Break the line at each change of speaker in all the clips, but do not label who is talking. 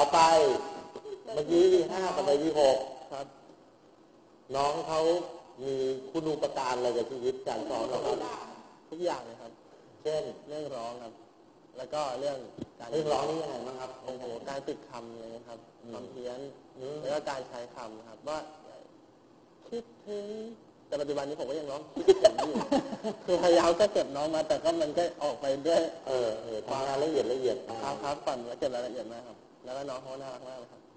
ไปเมื่อกี้5กับ6ครับน้องเขามีคุณูปการอะไรกับชีวิตการสอนเราครับทุกอย่างเลยครับเช่นเรื่องร้องครับแล้วก็เรื่องร้องนี่ยังไงบ้างครับโอ้โหการติดคำเลยครับความเพี้ยนแล้วก็การใช้คำครับว่าคิดถึงแต่ปัจจุบันนี้ผมก็ยังร้องคิดถึงอยู่คือพยายามจะเก็บน้องมาแต่ก็มันก็ออกไปด้วยทำงานละเอียดครับปั่นแล้วเก็บรายละเอียดมากครับแล้วก็น้องเขาน่ารักมากเลยครับ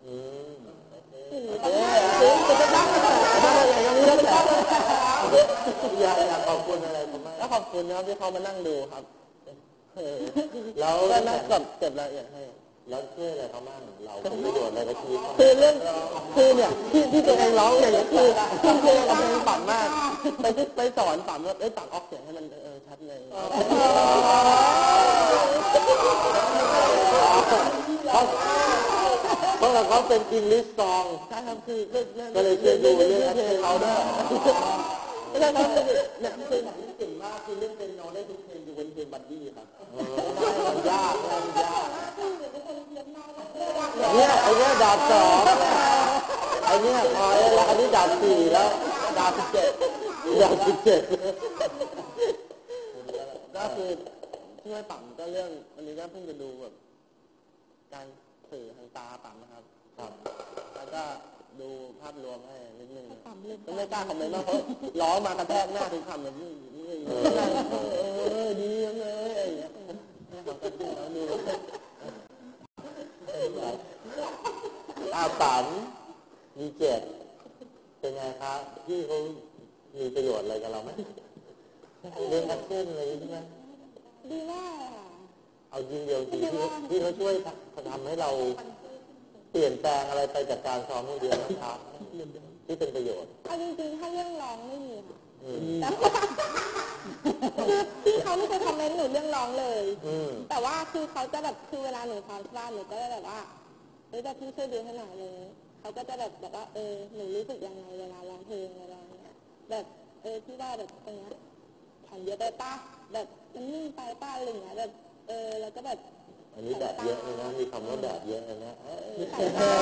อยากขอบคุณอะไรผมแล้วขอบคุณนะครับที่เขามานั่งดูครับแล้วก็นั่งเก็บรายละเอียดให้แล้วช่วยอะไรเขาบ้างเราเป็นประโยชน์อะไรกับชีวิตคือเรื่องคือเนี่ยที่ตัวเองร้องอย่างนี้คือเพลงกับเพลงปั่นมากไปสอนปั่นว่าปั่นออกเสียงให้มันชัดเลยเพราะเขาเป็นอิงลิสซองใช่ครับคือก็เลยช่วยดูเรื่องเพลงเขาด้วยไม่ใช่ครับเนี่ยเพลงที่เก่งมากคือเรื่องเป็นโนได้ทุกเพลงอยู่บนเพลงบัดดี้ครับมันยากเนี่ยไอ้เนี่ยดาบ2ไอ้เนี่ยพอแล้วอันนี้ดาบ4แล้วดาบ17ก็คือช่วยปั่มก็เรื่องวันนี้ก็เพิ่งจะดูแบบการสื่อทางตาปั่มนะครับแล้วก็ดูภาพรวมให้นิดนึงก็ไม่กล้าคอมเมนต์มากเพราะร้องมากระแทกหน้าทุกคำเลยดีจังเลยอะไรอย่างเงี้ยเขาก็ดูแล้วดูปั่มมี7เป็นไงครับพี่เขามีประโยชน์อะไรกับเราไหมเรื่องแอคชั่นอะไรใช่ไหม
ดีมาก
เอาจริงเดียวจริงที่เขาช่วยทำให้เราเปลี่ยนแปลงอะไรไปจากการซ้อมเดียวนะครับที่เป็นประโยชน์
เอาจริงๆถ้าเรื่องร้องไม่มีค่ะคือพี่เขาไม่เคยคอมเมนต์หนูเรื่องร้องเลยแต่ว่าคือเขาจะแบบคือเวลาหนูซ้อมที่บ้านหนูก็จะแบบว่าแบบพี่ช่วยดูให้หน่อยเลยเขาก็จะแบบว่าหนูรู้สึกยังไงเวลาร้องเพลงอะไรเงี้ยแบบพี่ว่าแบบตรงเนี้ยขันเยอะไปป้าแบบมันนิ่งไปป้าอะไรเงี้ยแบบแล้วก็แบบ
อันนี้แบบเยอะเลยนะมีคำว่าแบบเยอะเลยนะ
สายตา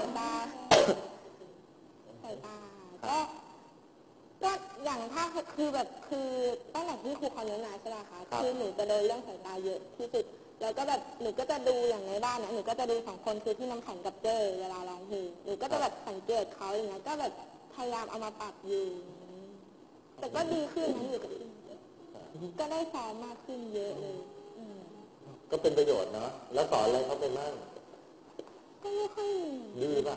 ก็อย่างถ้าคือแบบคือตั้งแต่ที่ครูคอนเนอร์นาใช่ไหมคะคือหนูจะโดนเรื่องสายตาเยอะที่สุดแล้วก็แบบหนูก็จะดูอย่างในบ้านนะหนูก็จะดู2คนคือที่น้ำแข็งกับเจ้เวลาร้องเพลงหนูก็จะแบบสังเกตเขาอย่างเงี้ยก็แบบพยายามเอามาปรับอยู่แต่ก็ดีขึ้นนะอยู่กับก็ได้สอนมากขึ้นเยอะเลย
ก็เป็นประโยชน์เนาะแล้วสอนอะไรเขาไปมั่ง
ก็ไม่ค่อย
ดีป่ะ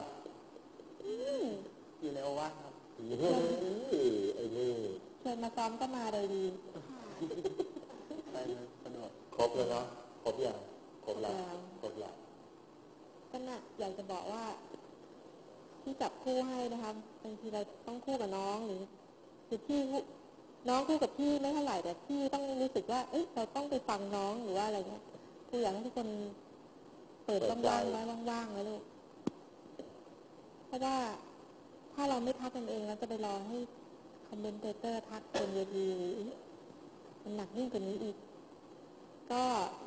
อยู่ในโอวาทครับไอ้นี่
เชิญมาซ้อมก็มาเลยดี
ไปสนุกครบเลยเนาะครบอย่างครบแล้ว
ก็น่ะอยากจะบอกว่าที่จับคู่ให้นะคะบางทีเราต้องคู่กับน้องหรือที่น้องคู่กับพี่ไม่เท่าไหร่แต่พี่ต้องรู้สึกว่าเราต้องไปฟังน้องหรือว่าอะไรเงี้ยคืออยากให้ทุกคนเปิดว่างๆไว้ว่างๆนะลูกเพราะว่าถ้าเราไม่ทักกันเองแล้วจะไปรอให้คอมเมนเตอร์ทักบนเวทีมันหนักยิ่งกว่านี้อีกก็